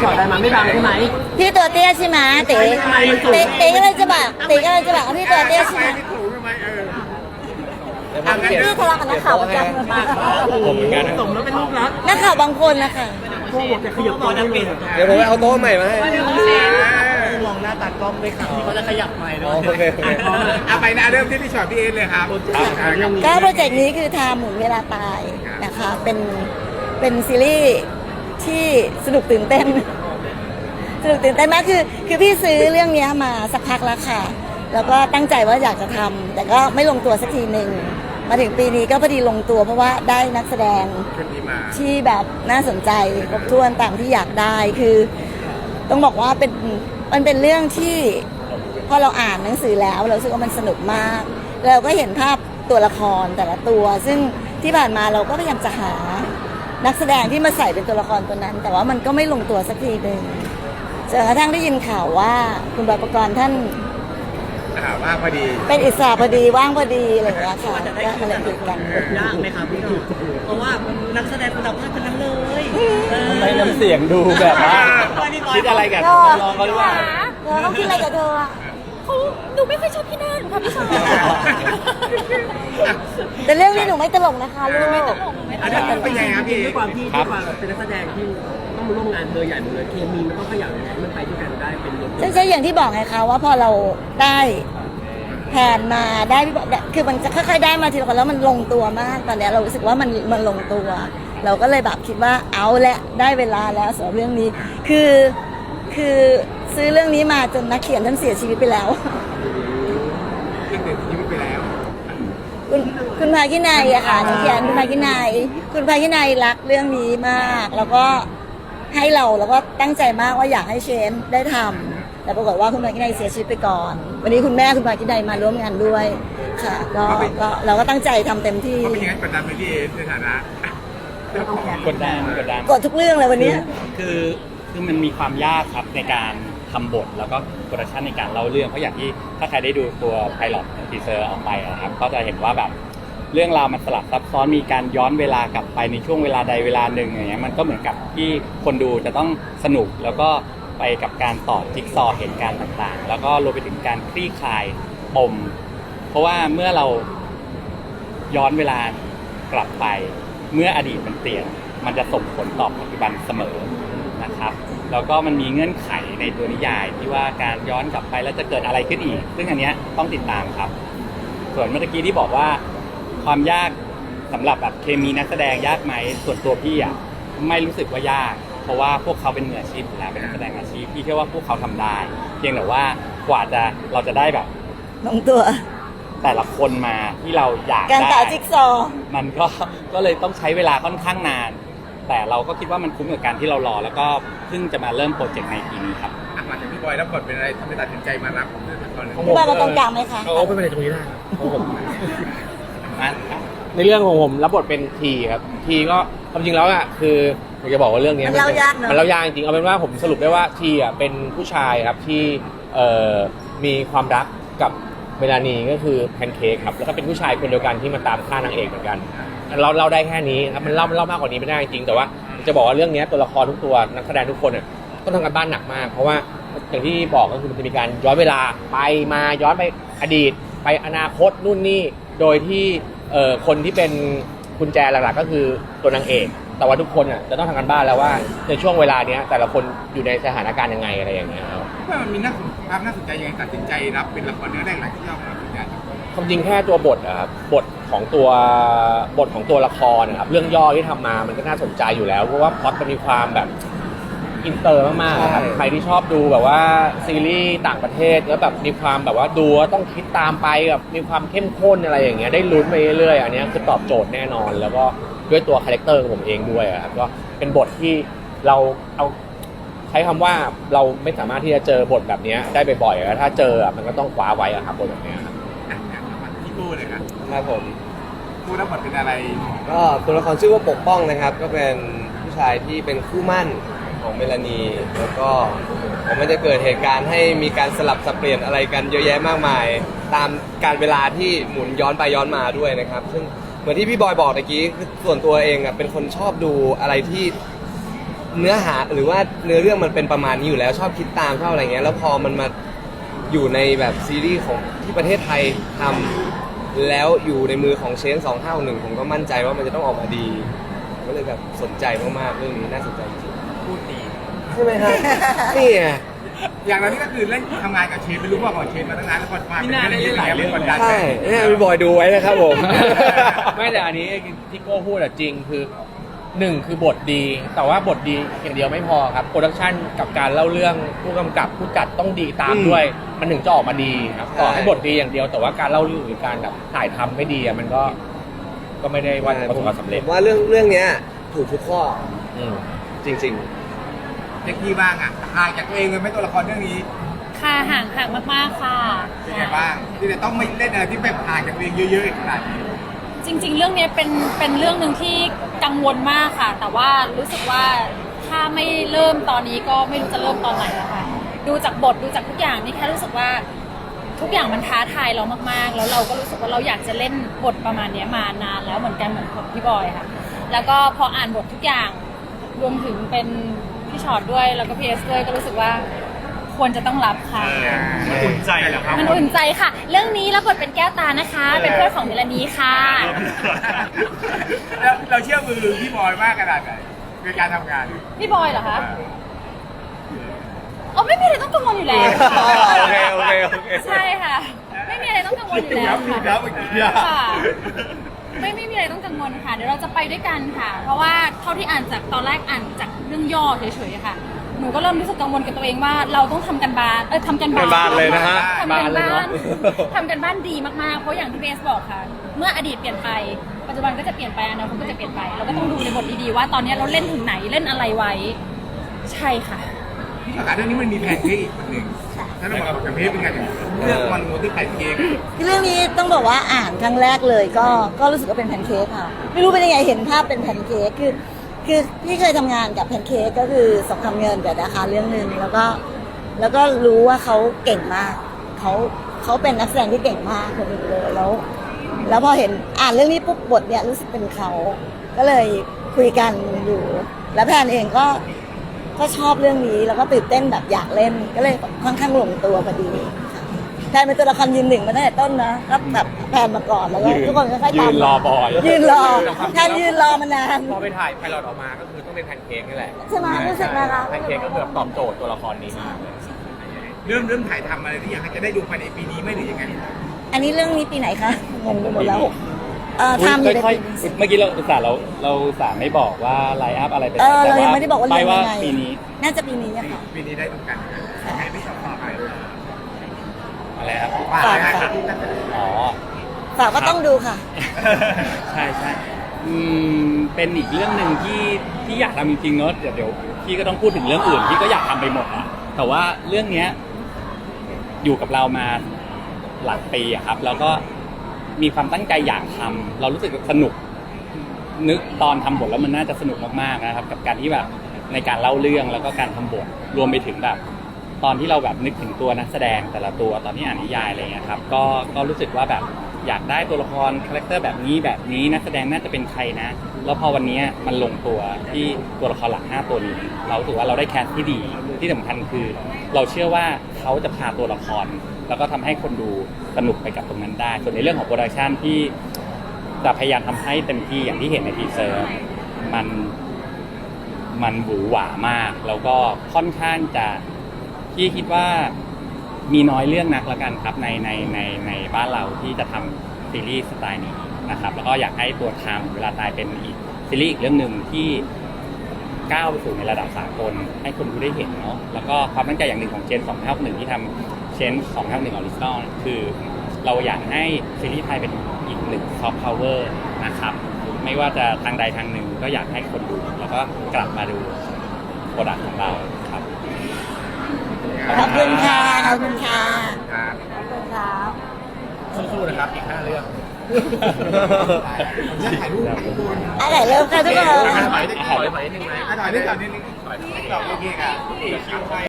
ถอดอะไรมาไม่บังใช่ไหมพี่ตัวเตี้ยใช่ไหมเต๋เต๋ก็เลยจะบอกเต๋ก็เลยจะบอกว่าพี่ตัวเตี้ยใช่ไหมพี่ทะเลาะกับนักข่าวประจำมาผมเหมือนกันนะสมแล้วเป็นลูกรักนักข่าวบางคนนะคะโอ้โหจะขยับตัวจะเป็นเดี๋ยวผมไปเอาโต๊ะใหม่มาให้มองหน้าตัดกล้องด้วยครับที่เขาจะขยับใหม่ด้วโอเคไปนะเริ่มที่พี่ชอตพี่เอสเลยครับก็โปรเจกต์นี้คือทำหมุนเวลาตายนะคะเป็นซีรีส์ที่สนุกตื่นเต้นมากคือพี่ซื้อเรื่องนี้มาสักพักแล้วค่ะแล้วก็ตั้งใจว่าอยากจะทำแต่ก็ไม่ลงตัวสักทีหนึ่งมาถึงปีนี้ก็พอดีลงตัวเพราะว่าได้นักแสดงที่แบบน่าสนใจครบถ้วนตามที่อยากได้คือต้องบอกว่ามันเป็นเรื่องที่พอเราอ่านหนังสือแล้วเรารู้สึกว่ามันสนุกมากเราก็เห็นภาพตัวละครแต่ละตัวซึ่งที่ผ่านมาเราก็พยายามจะหานักแสดงที่มาใส่เป็นตัวละครตัวนั้น แต่ว่ามันก็ไม่ลงตัวสักทีหนึ่งจนกระทั่งได้ยินข่าวว่าคุณบอยปกรณ์ท่านว่างพอดีเป็นอิสระพอดีว่างพอดีอะไรอย่างเงี้ยค่ะก็เลยติดกันยากไหมครับพี่หนุ่มเพราะว่านักแสดงคุณภาพทั้งนั้นเลยทำไมน้ำเสียงดูแบบว่าคิดอะไรกันลองเขาด้วยต้องคิดอะไรกับเธอเขาหนูไม่ค่อยชอบพี่แน่หนูค่ะพี่ชายแต่เรื่องนี้หนูไม่ตลกนะคะลูกไม่ตลกอันนั้นเป็นยังไงครับพี่ด้วยความที่เป็นนักแสดงที่ต้องมาร่วมงานเธอใหญ่หมดเลยเคมีมันต้องขยันยังไงมันไปด้วยกันได้เป็นรถใช่อย่างที่บอกไงคะว่าพอเราได้แผนมาได้คือมันจะค่อยๆได้มาทีละคนแล้วมันลงตัวมากตอนนี้เรารู้สึกว่ามันลงตัว เราก็เลยแบบคิดว่าเอาละได้เวลาแล้วสำหรับเรื่องนี้คือซื้อเรื่องนี้มาจนนักเขียนท่านเสียชีวิตไปแล้วคุณภาคินัยอะค่ะนักเขียนคุณภาคินัยรักเรื่องนี้มากแล้วก็ให้เราแล้วก็ตั้งใจมากว่าอยากให้เชนได้ทำแต่ปรากฏว่าคุณภาคินัยเสียชีวิตไปก่อนวันนี้คุณแม่คุณภาคินัยมาร่วมงานด้วยค่ะก็เราก็ตั้งใจทำเต็มที่เขาเป็นยังไงกดดันไปที่เอสในฐานะกดดันกดทุกเรื่องเลยวันนี้คือมันมีความยากครับในการทำบทแล้วก็โปรดักชันในการเล่าเรื่องเพราะอย่างที่ถ้าใครได้ดูตัวไพลอตทีเซอร์ออกไปนะครับก็จะเห็นว่าแบบเรื่องราวมันสลับซับซ้อนมีการย้อนเวลากลับไปในช่วงเวลาใดเวลาหนึ่งอย่างเงี้ยมันก็เหมือนกับที่คนดูจะต้องสนุกแล้วก็ไปกับการต่อจิ๊กซอว์เหตุการณ์ต่างๆแล้วก็รวมไปถึงการคลี่คลายปมเพราะว่าเมื่อเราย้อนเวลากลับไปเมื่ออดีตมันเปลี่ยนมันจะส่งผลต่อปัจจุบันเสมอนะครับแล้วก็มันมีเงื่อนไขในตัวนิยายที่ว่าการย้อนกลับไปแล้วจะเกิดอะไรขึ้นอีกซึ่งอันเนี้ยต้องติดตามครับส่วนเมื่อกี้ที่บอกว่าความยากสำหรับแบบเคมีนักแสดงยากไหมส่วนตัวพี่อ่ะไม่รู้สึกว่ายากเพราะว่าพวกเขาเป็นมืออาชีพแล้วเป็นนักแสดงอาชีพพี่เชื่อว่าพวกเขาทำได้เพียงแต่ว่ากว่าเราจะได้แบบลงตัวแต่ละคนมาที่เราอยากการต่อจิ๊กซอว์มันก็เลยต้องใช้เวลาค่อนข้างนานแต่เราก็คิดว่ามันคุ้มกับการที่เรารอแล้วก็เพิ่งจะมาเริ่มโปรเจกต์ในปีนี้ครับมาจากพี่บอยแล้วกดเป็นอะไรทำให้ตัดสินใจมารับเรื่องตอนนี้พี่บอยมาตรงกลางไหมคะเอาไปตรงนี้ได้ผมนั่นในเรื่องของผมรับบทเป็นทีครับทีก็ความจริงแล้วอ่ะคืออยากจะบอกว่าเรื่องนี้มันเล่ายากเนอะมันเล่ายากจริงเอาเป็นว่าผมสรุปได้ว่าทีอ่ะเป็นผู้ชายครับที่มีความรักกับเมลานีก็คือแพนเค้กครับแล้วก็เป็นผู้ชายคนเดียวกันที่มาตามฆ่านางเอกเหมือนกันเราได้แค่นี้ครับมันเล่ามากกว่านี้ไม่ได้จริงแต่ว่าจะบอกว่าเรื่องนี้ตัวละครทุกตัวนักแสดงทุกคนอ่ะต้องทำการบ้านหนักมากเพราะว่าอย่างที่บอกก็คือมันจะมีการย้อนเวลาไปมาย้อนไปอดีตไปอนาคตนู่นนี่โดยที่คนที่เป็นกุญแจหลักๆก็คือตัวนางเอกแต่ว่าทุกคนอ่ะจะต้องทำการบ้านแล้วว่าในช่วงเวลาเนี้ยแต่ละคนอยู่ในสถานการณ์ยังไงอะไรอย่างเงี้ยครับว่ามันมีความน่าสนใจยังไงตัดสินใจรับเป็นละครเนื้อแรกหลายที่เราตัดสินใจความจริงแค่ตัวบทนะครับบทของตัวละครนะครับเรื่องย่อที่ทำมามันก็น่าสนใจอยู่แล้วเพราะว่าพล็อตมันมีความแบบอินเตอร์มากๆครับใครที่ชอบดูแบบว่าซีรีส์ต่างประเทศแล้วแบบมีความแบบว่าดูต้องคิดตามไปแบบมีความเข้มข้นอะไรอย่างเงี้ยได้ลุ้นไปเรื่อยๆอันนี้คือตอบโจทย์แน่นอนแล้วก็ด้วยตัวคาแรคเตอร์ของผมเองด้วยครับก็เป็นบทที่เราเอาใช้คำว่าเราไม่สามารถที่จะเจอบทแบบนี้ได้บ่อยๆแล้วถ้าเจอมันก็ต้องคว้าไว้ครับบทแบบนี้ครับพี่กู้เลยครับผมกู้รับบทเป็นอะไรก็ตัวละครชื่อว่าปกป้องนะครับก็เป็นผู้ชายที่เป็นคู่มั่นของเมลานีแล้วก็มันจะเกิดเหตุการณ์ให้มีการสลับสับเปลี่ยนอะไรกันเยอะแยะมากมายตามการเวลาที่หมุนย้อนไปย้อนมาด้วยนะครับซึ่งเหมือนที่พี่บอยบอกเมื่อกี้คือส่วนตัวเองอ่ะเป็นคนชอบดูอะไรที่เนื้อหาหรือว่าเนื้อเรื่องมันเป็นประมาณนี้อยู่แล้วชอบคิดตามชอบอะไรเงี้ยแล้วพอมันมาอยู่ในแบบซีรีส์ของที่ประเทศไทยทำแล้วอยู่ในมือของเชน2561ผมก็มั่นใจว่ามันจะต้องออกมาดีก็เลยแบบสนใจมากๆเรื่องนี้น่าสนใจจริงพูดดีๆใช่ไหมครับ นี่ไงอย่างเรานี่ก็คือเล่นทำงานกับเชนไม่รู้ว่าก่อนเชนมาตั้งนานแล้วพอมาเป็นเรื่องนี้หลายเรื่องกดดันใช่เนี่ยพี่บอยดูไว้นะครับผมไม่แต่อันนี้ที่โก้พูดอะจริงคือหนึ่งคือบทดี แต่ว่าบทดีอย่างเดียวไม่พอครับโปรดักชันกับการเล่าเรื่องผู้กำกับผู้จัดต้องดีตามด้วย มันถึงจะออกมาดีครับต่อให้บทดีอย่างเดียวแต่ว่าการเล่าเรื่องหรือการแบบถ่ายทำไม่ดีอะมันก็ไม่ได้ว่าประสบความสำเร็จผมว่าเรื่องเนี้ยถูกทุกข้ออืมจริงเจ๊กี้บ้างอ่ะห่างจากตัวเองเลยไหมตัวละครเรื่องนี้ค่ะห่างมากๆค่ะเป็นไงบ้างที่จะต้องไม่เล่นอะไรที่แบบห่างจากตัวเองเยอะๆขนาดนี้จริง ๆ เรื่องนี้เป็นเรื่องหนึ่งที่กังวลมากค่ะ แต่ว่ารู้สึกว่าถ้าไม่เริ่มตอนนี้ก็ไม่รู้จะเริ่มตอนไหนแล้วค่ะดูจากบทดูจากทุกอย่างนี่แค่รู้สึกว่าทุกอย่างมันท้าทายเรามากๆ แล้วเราก็รู้สึกว่าเราอยากจะเล่นบทประมาณนี้มานานแล้วเหมือนกันเหมือนกับพี่บอยค่ะ แล้วก็พออ่านบททุกอย่างรวมถึงเป็นพี่ชอตด้วยแล้วก็พี่เอสด้วยก็รู้สึกว่าควรจะต้องรับค่ะมันอุ่นใจเหรอครับมันอุ่นใจค่ะ เรื่องนี้รับบทเป็นแก้วตานะคะ เป็นเพื่อนของเมลานีค่ะแล้วเราเชื่อมือพี่บอยมากขนาดไหนในการทำงานพี่บอยเหรอคะอ๋อไม่มีอะไรต้องกังวลอยู่แล้วค่ะโอเคโอเคโอเคใช่ค่ะ ไม่มีอะไรต้องกังวลอยู่แล้วค่ะย้ำเมื่อกี้อะค่ะไม่มีอะไรต้องกังวลค่ะ เดี๋ยวเราจะไปด้วยกันค่ะ เพราะว่าเท่าที่อ่านจากตอนแรกอ่านจากเรื่องย่อเฉยๆค่ะ หนูก็เริ่มรู้สึกกังวลกับตัวเองว่าเราต้องทำกันบ้านทำกันบ้านกันบ้านเลยนะฮะทำกันบ้านเลยบ้าเนนอะทำกันบ้านดีมากๆ เพราะอย่างที่เบสบอกค่ะ เมื่ออดีตเปลี่ยนไป ปัจจุบันก็จะเปลี่ยนไปอนาคตก็จะเปลี่ยนไป เราก็ต้องดูในบทดีๆว่าตอนนี้เราเล่นถึงไหนเล่นอะไรไว้ ใช่ค่ะที่ประกาศเรื่องนี้มันมีแพนเค้กอีกคนหนึ่งถ้าเราบอกกับเพจเป็นไงเรื่องมันโมที่แพนเค้กเรื่องนี้ต้องบอกว่าอ่านครั้งแรกเลยก็รู้สึกว่าเป็นแพนเค้กค่ะ ไม่รู้เป็นยังไงเห็นภาพเป็นแพนเค้กคือพี่เคยทำงานกับแพนเค้กก็คือสงครามเงินกับนะคะเรื่องหนึ่งแล้วก็รู้ว่าเขาเก่งมากเขาเป็นนักแสดงที่เก่งมากคนหนึงเลยแล้วพอเห็นอ่านเรื่องนี้ปุ๊บบทเนี่ยรู้สึกเป็นเขาก็เลยคุยกันอยู่ แล้วแพนเองก็ชอบเรื่องนี้แล้วก็ตื่นเต้นแบบอยากเล่นก็เลยค่อนข้างลงตัวพอดีค่ะแพนเป็นตัวละครยืนหนึ่งมาตั้งแต่ต้นนะก็แบบแพนมาก่อนแล้วก็ทุกคนก็ค่อยๆตามยืนรอบอยยืนรอแพนยืนรอมานานพอไปถ่ายไพลอตออกมาก็คือต้องเป็นแพนเค้กนี่แหละใช่ไหมรู้สึกไหมคะแพนเค้กก็คือแบบตอบโจทย์ตัวละครนี้เริ่มถ่ายทำอะไรที่อยากให้จะได้ดูภายในปีนี้ไหม่หรือยังไงอันนี้เรื่องนี้ปีไหนคะงงไปหมดแล้วทำอยู่ในค่อยปีนี้ๆเมื่อกี้เราอุตส่าห์ไม่บอกว่าไลน์อัพอะไรเป็นเรายังไม่ได้บอกว่าไปเรื่องว่ายังไงปีนี้น่าจะปีนี้อะค่ะปีนี้ได้ดูกันให้พี่ชอบต่อไปอะไรครับฝากนะครับอ๋อฝากก็ต้องดูค่ะใช่ใช่เป็นอีกเรื่องหนึ่งที่อยากทำจริงๆเนอะเดี๋ยวพี่ก็ต้องพูดถึงเรื่องอื่นพี่ก็อยากทำไปหมดอะแต่ว่าเรื่องเนี้ยอยู่กับเรามาหลายปีอะครับ แล้วก็มีความตั้งใจอยากทำเรารู้สึกสนุกนึกตอนทำบทแล้วมันน่าจะสนุกมากๆนะครับ กับการที่แบบในการเล่าเรื่องแล้วก็การทำบทรวมไปถึงแบบ ตอนที่เราแบบนึกถึงตัวนักแสดงแต่ละตัวตอนที่อ่านนิยายอะไรเงี้ยครับก็รู้สึกว่าแบบอยากได้ตัวละครคาแรคเตอร์แบบนี้นักแสดงน่าจะเป็นใครนะแล้วพอวันนี้มันลงตัวที่ตัวละครหลัก5ตัวนี้เราถือว่าเราได้แคสที่ดีที่สำคัญคือ เราเชื่อว่าเขาจะพาตัวละครแล้วก็ทำให้คนดูสนุกไปกับตรงนั้นได้ส่วนในเรื่องของโปรดักชันที่จะพยายามทำให้เต็มที่อย่างที่เห็นในทีเซอร์มันหวือหวามากแล้วก็ค่อนข้างจะพี่คิดว่ามีน้อยเรื่องนักละกันครับในบ้านเราที่จะทำซีรีส์สไตล์นี้นะครับแล้วก็อยากให้ตัวไทม์เวลาตายเป็นอีกซีรีส์อีกเรื่องหนึ่งที่ก้าวไปสู่ในระดับสากลให้คนดูได้เห็นเนาะแล้วก็ความตั้งใจอย่างหนึ่งของเจน251ที่ทำเจน251ออริจินอลคือเราอยากให้ซีรีส์ไทยเป็นอีกหนึ่งซอฟต์พาวเวอร์นะครับไม่ว่าจะทางใดทางหนึ่งก็อยากให้คนดูแล้วก็กลับมาดูโปรดักต์ของเราครับขอบคุณค่ะ ขอบคุณค่ะครับขอบคุณครับสู้ๆนะครับอีก5เรื่องเรื่องถ่ายรูปถ่ายรูปอะไรเริ่มค่ะทุกคนถอยนิดนึงไหมถอยนิดนึงโอเคค่ะ